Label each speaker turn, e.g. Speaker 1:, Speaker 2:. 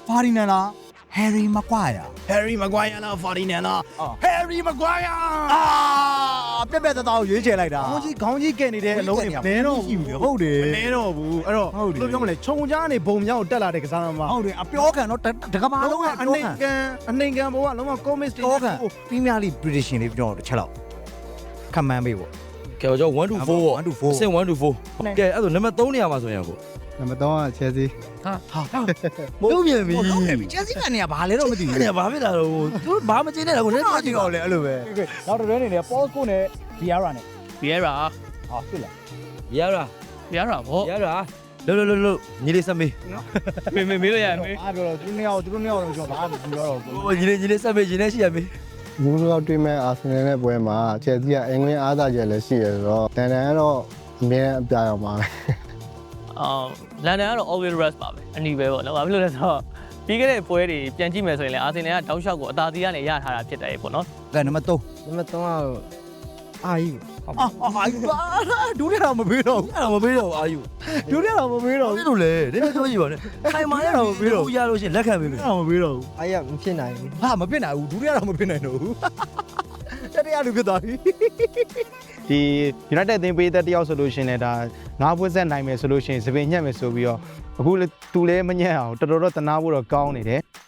Speaker 1: Ferdinand လား Harry Maguire
Speaker 2: Harry Maguire လား Ferdinand လား Harry Maguire
Speaker 1: ပြက်ပြက်သားသားကိုရွေးချယ်လိုက်တာ
Speaker 2: ခေါင်းကြီးကဲနေတဲ့အလုံးတွေမနေတော့ဘူး
Speaker 1: ဟုတ်တယ်
Speaker 2: မနေတော့ဘူးအဲ့တော့ဘယ်လိုပြောမလဲခြုံကြားနေဘုံမြောက်တက်လာတဲ့ကစားသမား
Speaker 1: ဟုတ်တယ်အပြောခံတော့တကဘာလုံးကအ
Speaker 2: နှိမ်ကန်ဘောကလုံးဝ comics တွေ
Speaker 1: ပြောခံ Premier League prediction လေးပြောတော့တစ်ချက်လောက်ခမှန်းပေးပေါ့
Speaker 3: ကဲကျွန်တော်1 to 4ပေါ့
Speaker 1: 1 to 4
Speaker 3: အဆင့်1 to 4ကဲအဲ့ဒါနံပါတ်3နေရာမှာဆိုရင်ကို
Speaker 4: နံပါတ်3က Chelsea
Speaker 3: မိုးမြင်ပြီ
Speaker 1: Chelsea ကနေကဘာလဲတော့မသိဘူး
Speaker 3: အဲ့ဒါဘာဖြစ်တာတော့သူဘာမကျင်းနဲ့ကိုလည်း
Speaker 1: ဘာကြည့်တော့လဲအဲ့လိုပဲ
Speaker 5: နောက်တစ်တွဲနေတယ် Paul နဲ့ Vieira နဲ့
Speaker 6: Vieira
Speaker 5: ဟာဖြစ်လား
Speaker 3: ရရ
Speaker 6: Vieira ဗော
Speaker 3: ရရလို့ညီလေးဆက်မေး
Speaker 6: မေးလို့ရမေး
Speaker 5: အားပြောတော့သူနှစ်ယောက်တော့ကျွန်တော်ဘာမှမပြောတော့ဘူး
Speaker 3: ဟိုညီလေးဆက်မေးညီလေးရှိရမေး
Speaker 4: ဘူးလောက်တွေ့မဲ့အာဆင်နယ်နဲ့ပွဲမှာ Chelsea ကအင်္ဂလန်အားသာချက်လည်းရှိရဆိုတော့တန်ကတော့အမြဲအပြာရောက်ပါပဲ
Speaker 6: လန်ဒန်ကတော့ always rest ပါပဲအနီးပဲပေါ့နော်ဘာဖြစ်လို့လဲဆိုတော့ပြီးခဲ့တဲ့ပွဲတွေပြန်ကြည့်မယ်ဆိုရင်လည်းအာဆင်နယ်ကတောက်လျှောက်ကိုအသာစီးကနေရထားတာဖြစ်တယ်ပေါ့နော်
Speaker 1: ကဲနံပါတ်3
Speaker 4: နံပါတ်3ကအာယူ
Speaker 1: ဒူးရတော့မပေးတော့ဘူး
Speaker 3: အဲ့ဒါမပေးတော့အာယူ
Speaker 1: ဒူးရတော့မပေးတော့
Speaker 3: ဘာဖြစ်လို့လဲဒီနေ့ပြောကြည့်ပါနဲ့ခိုင်မာရတော့မပေးတော့ရလို့ရှိရင်လက်ခံပေးမယ်
Speaker 1: ဘူးမပေးတော့ဘူး
Speaker 4: အာရမဖြစ်နိုင်ဘူး
Speaker 1: ဟာမဖြစ်နိုင်ဘူးဒူးရတော့မဖြစ်နိုင်တော့ဘူးတတိယလူဖြစ်သွားပြီ
Speaker 2: ဒီ United အသင်းပေးသက်တယောက်ဆိုလို့ရှိရင်လည်းဒါ9ပွဲဆက်နိုင်မယ်ဆိုလို့ရှိရင်စပင်ညက်မယ်ဆိုပြီးတော့အခုသူလည်းမညက်အောင်တော်တော်တော့တနာဖို့တော့ကောင်းနေတယ်